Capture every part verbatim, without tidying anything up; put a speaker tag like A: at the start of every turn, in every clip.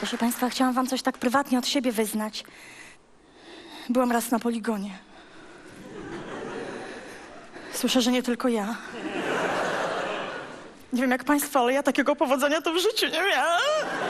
A: Proszę państwa, chciałam wam coś tak prywatnie od siebie wyznać. Byłam raz na poligonie. Słyszę, że nie tylko ja. Nie wiem jak państwo, ale ja takiego powodzenia to w życiu nie miałam.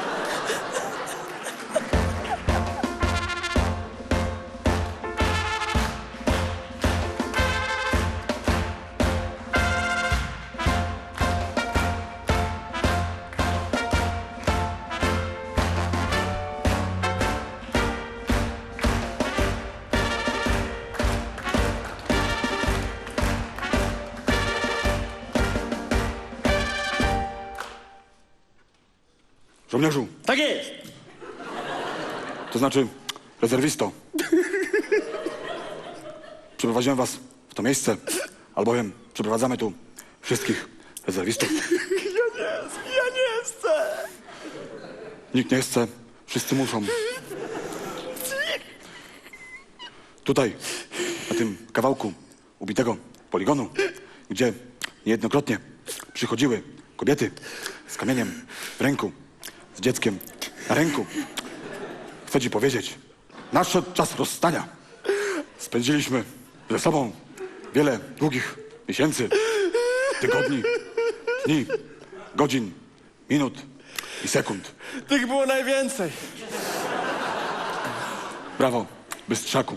B: Żołnierzu,
C: Tak jest!
B: to znaczy rezerwisto. Przyprowadziłem was w to miejsce, albowiem przyprowadzamy tu wszystkich rezerwistów.
C: Ja nie, ja nie chcę!
B: Nikt nie chce, wszyscy muszą. Tutaj, na tym kawałku ubitego poligonu, gdzie niejednokrotnie przychodziły kobiety z kamieniem w ręku, z dzieckiem na ręku. Chcę ci powiedzieć, nadszedł czas rozstania. Spędziliśmy ze sobą wiele długich miesięcy, tygodni, dni, godzin, minut i sekund.
C: Tych było najwięcej.
B: Brawo, bystrzaku.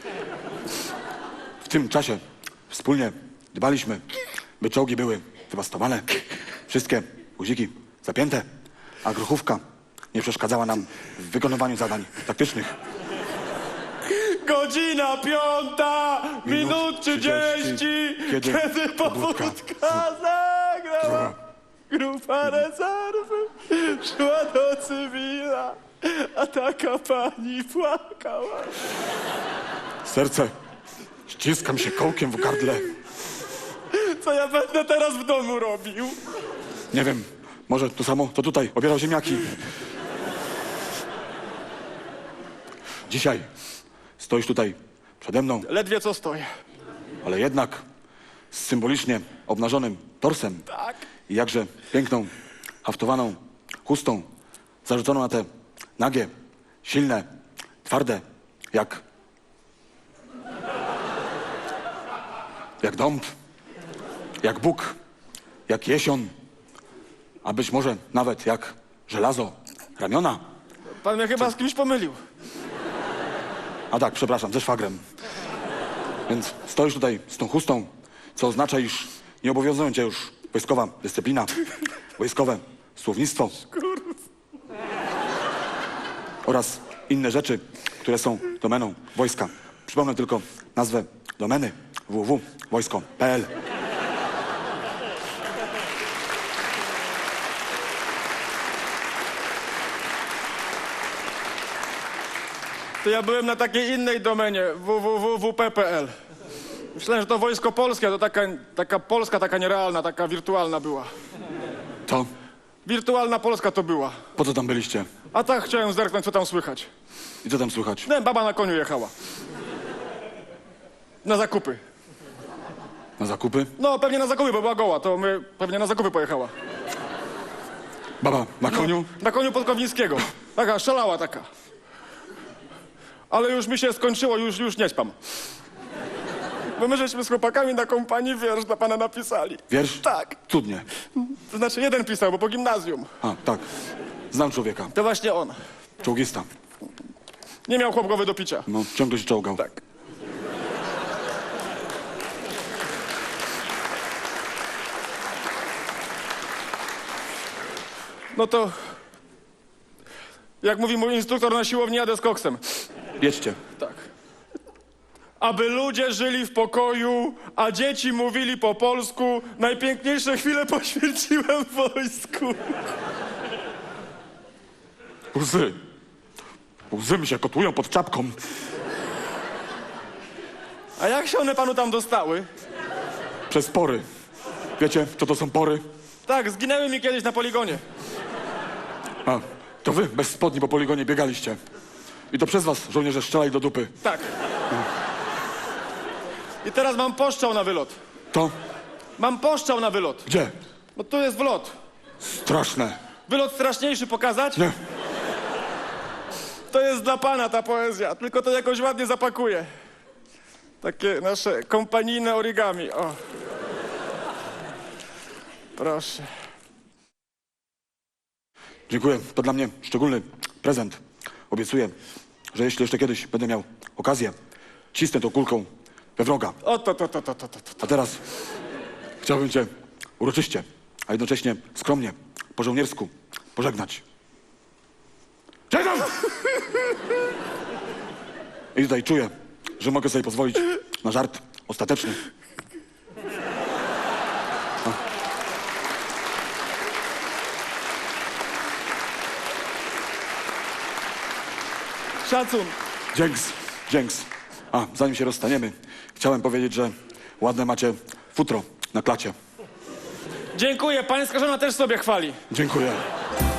B: W tym czasie wspólnie dbaliśmy, by czołgi były dewastowane, wszystkie guziki zapięte, a grochówka nie przeszkadzała nam w wykonywaniu zadań taktycznych.
C: Godzina piąta, minut trzydzieści,
B: kiedy
C: kiedy
B: pobudka
C: pobudka zagrała. Grupa rezerwy szła do cywila, a taka pani płakała.
B: Serce ściskam się kołkiem w gardle.
C: Co ja będę teraz w domu robił?
B: Nie wiem, może to samo, co tutaj, obierał ziemniaki. Dzisiaj stoisz tutaj przede mną,
C: Ledwie co stoję.
B: ale jednak z symbolicznie obnażonym torsem
C: Tak.
B: i jakże piękną, haftowaną chustą zarzuconą na te nagie, silne, twarde, jak... jak dąb, jak Bóg, jak jesion, a być może nawet jak żelazo, ramiona.
C: Pan mnie chyba z kimś pomylił.
B: A tak, przepraszam, ze szwagrem. Więc stoisz tutaj z tą chustą, co oznacza, iż nie obowiązują cię już wojskowa dyscyplina, wojskowe słownictwo oraz inne rzeczy, które są domeną wojska. Przypomnę tylko nazwę domeny w w w kropka wojsko kropka p l.
C: To ja byłem na takiej innej domenie, w w w kropka w p kropka p l. Myślałem, że to Wojsko Polskie, to taka, taka Polska, taka nierealna, taka wirtualna była.
B: To
C: Wirtualna Polska to była.
B: po co tam byliście?
C: A tak chciałem zerknąć, co tam słychać.
B: I co tam słychać?
C: Nie, baba na koniu jechała. Na zakupy.
B: Na zakupy?
C: No, pewnie na zakupy, bo była goła, to my pewnie na zakupy pojechała.
B: Baba na koniu?
C: Na koniu Podkowińskiego. Taka, szalała taka. Ale już mi się skończyło, już, już nie śpam. Bo my żeśmy z chłopakami na kompanii wiersz dla pana napisali.
B: Wiersz?
C: Tak.
B: Cudnie.
C: To znaczy jeden pisał, bo po gimnazjum.
B: A, tak. Znam człowieka.
C: To właśnie on.
B: Czołgista.
C: Nie miał chłop głowy do picia.
B: No, ciągle się czołgał.
C: Tak. No to... Jak mówi mój instruktor na siłowni, jadę z koksem.
B: Jedźcie.
C: Tak. Aby ludzie żyli w pokoju, a dzieci mówili po polsku, najpiękniejsze chwile poświęciłem w wojsku.
B: Łzy. Łzy mi się kotłują pod czapką.
C: A jak się one panu tam dostały?
B: Przez pory. Wiecie, co to są pory?
C: Tak, zginęły mi kiedyś na poligonie.
B: A, to wy bez spodni po poligonie biegaliście. I to przez was żołnierze strzelali do dupy.
C: Tak. I teraz mam poszczał na wylot.
B: To?
C: Mam poszczał na wylot.
B: Gdzie?
C: No tu jest wlot.
B: Straszne.
C: Wylot straszniejszy pokazać?
B: Nie.
C: To jest dla pana ta poezja, tylko to jakoś ładnie zapakuję. Takie nasze kompanijne origami, o. Proszę.
B: Dziękuję. To dla mnie szczególny prezent. Obiecuję, że jeśli jeszcze kiedyś będę miał okazję, cisnę tą kulką we wroga.
C: O, to, to, to, to, to, to, to.
B: A teraz chciałbym cię uroczyście, a jednocześnie skromnie, po żołniersku pożegnać. Cześć tam! I tutaj czuję, że mogę sobie pozwolić na żart ostateczny.
C: Szacun.
B: Dzięks, dzięks. A, zanim się rozstaniemy, chciałem powiedzieć, że ładne macie futro na klacie.
C: Dziękuję, pańska żona też sobie chwali.
B: Dziękuję.